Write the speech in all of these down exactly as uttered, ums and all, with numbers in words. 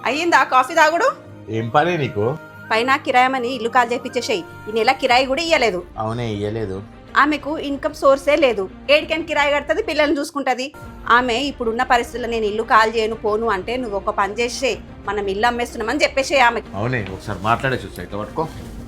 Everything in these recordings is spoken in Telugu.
అయ్యిందా కాఫీ తాగుడు? ఏం పని నీకు? పైన కిరాయమని ఇల్లు కాల్ చేపించేసేయి. ఈ నెల కిరాయి కూడా ఇయ్యలేదు. అవునే ఇయ్యలేదు. ఆమెకు ఇన్కమ్ సోర్సే లేదు. ఏడికని కిరాయి కడుతుంది, పిల్లల్ని చూసుకుంటుంది. ఆమె ఇప్పుడున్న పరిస్థితుల్లో నేను ఇల్లు కాల్ చేయను పోను అంటే నువ్వు ఒక పని చేసే, మనం ఇల్లు అమ్మేస్తున్నామని చెప్పేసే ఆమెకి. అవునే ఒకసారి మాట్లాడే చూసా ఇట్లా పట్టుకో.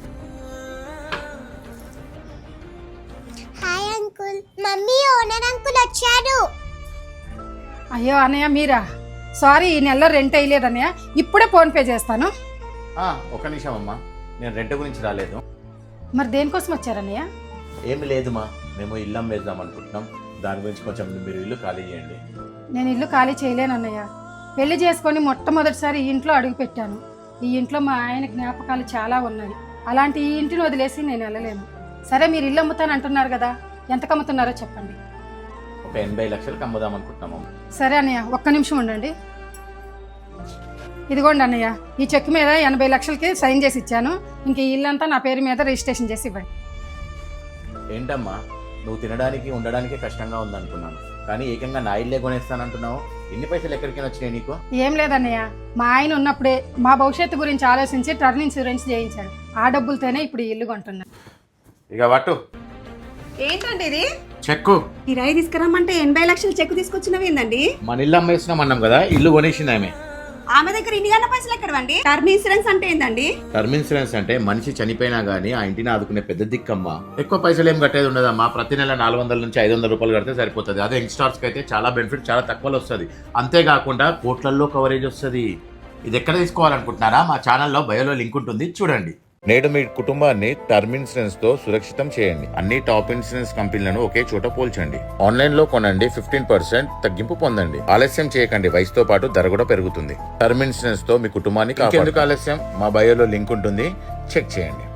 Hi uncle, mummy owner uncle వచ్చాడు. అయ్యో అన్నయ్య మీరా? సారీ, ఈ నెలలో రెంట్ వేయలేదు అన్నయ్య, ఇప్పుడే ఫోన్ పే చేస్తాను. ఒక నిమిషం అమ్మా, నేను రెంట్ గురించి రాలేదు. మరి దేనికోసం వచ్చారన్నయ్య? ఏమి లేదుమా, మేము ఇల్లు అమ్మేద్దాం అనుకుంటున్నాం. దాని గురించి కొంచెం మీరు ఇల్లు ఖాళీ చేయండి. నేను ఇల్లు ఖాళీ చేయలేను అన్నయ్య. పెళ్లి చేసుకొని మొట్టమొదటిసారి ఈ ఇంట్లో అడుగు పెట్టాను. ఈ ఇంట్లో మా ఆయన జ్ఞాపకాలు చాలా ఉన్నాయి. అలాంటి ఈ ఇంటిని వదిలేసి నేను వెళ్ళలేను. సరే, మీరు ఇల్లు అమ్ముతాను అంటున్నారు కదా, ఎంతకు అమ్ముతున్నారో చెప్పండి. ఒక ఎనభై లక్షలకు అమ్ముదాం అనుకుంటున్నాము. సరే అన్నయ్య, ఒక్క నిమిషం ఉండండి. ఇదిగోండి అన్నయ్య, ఈ చెక్ మీద ఎనభై లక్షలకి సైన్ చేసి ఇచ్చాను. ఇంక ఈ ఇల్లంతా నా పేరు మీద రిజిస్ట్రేషన్ చేసి ఇవ్వండి. ఏంటమ్మా, నువ్వు తినడానికి ఉండడానికి కష్టంగా ఉందనుకున్నాను, కానీ ఏకంగా నా ఇల్లే కొనేస్తానంటున్నావు. ఎన్ని పైసలు ఎక్కడికైనా వచ్చినాయి నీకు? ఏం లేదన్నయ్య, మా ఆయన ఉన్నప్పుడే మా భవిష్యత్తు గురించి ఆలోచించి టర్న్ ఇన్సూరెన్స్ చేయించాడు. ఆ డబ్బులతోనే ఇప్పుడు ఈ ఇల్లు కొంటున్నా. ఇక పట్టు. ఏంటండి ఇది? చెక్కు. కిరాయి తీసుకురమ్మంటే ఎనభై లక్షలు చెక్కు తీసుకొచ్చినవి ఏందండి? మన ఇల్లు అమ్మేస్తున్నాం అన్నాం కదా, ఇల్లు కొనేసింది ఆమె. ఆమె దగ్గర ఇన్ని గన్న పైసలు ఎక్కడవండి? టర్మ్ ఇన్సూరెన్స్ అంటే ఏందండి? టర్మ్ ఇన్సూరెన్స్ అంటే మనిషి చనిపోయినా గానీ ఆ ఇంటిని ఆదుకునే పెద్ద దిక్కమ్మా. ఎక్కువ పైసలు ఏం కట్టేది ఉండదమ్మా. ప్రతి నెల నాలుగు వందల నుంచి ఐదు వందల రూపాయలు కడితే సరిపోతుంది. అదే యంగ్స్టార్స్కి అయితే చాలా బెనిఫిట్, చాలా తక్కువలో వస్తుంది. అంతేకాకుండా కోట్లల్లో కవరేజ్ వస్తుంది. ఇది ఎక్కడ తీసుకోవాలనుకుంటున్నారా? మా ఛానల్లో బయోలో లింక్ ఉంటుంది, చూడండి. నేడు మీ కుటుంబాన్ని టర్మ్ ఇన్సూరెన్స్ తో సురక్షితం చేయండి. అన్ని టాప్ ఇన్సూరెన్స్ కంపెనీలను ఒకే చోట పోల్చండి. ఆన్లైన్ లో కొనండి, ఫిఫ్టీన్ పర్సెంట్ తగ్గింపు పొందండి. ఆలస్యం చేయకండి, వయసుతో పాటు ధర కూడా పెరుగుతుంది. టర్మ్ ఇన్సూరెన్స్ తో మీ కుటుంబాన్ని కాపాడండి. ఎందుకు ఆలస్యం? మా బయోలో లింక్ ఉంటుంది, చెక్ చేయండి.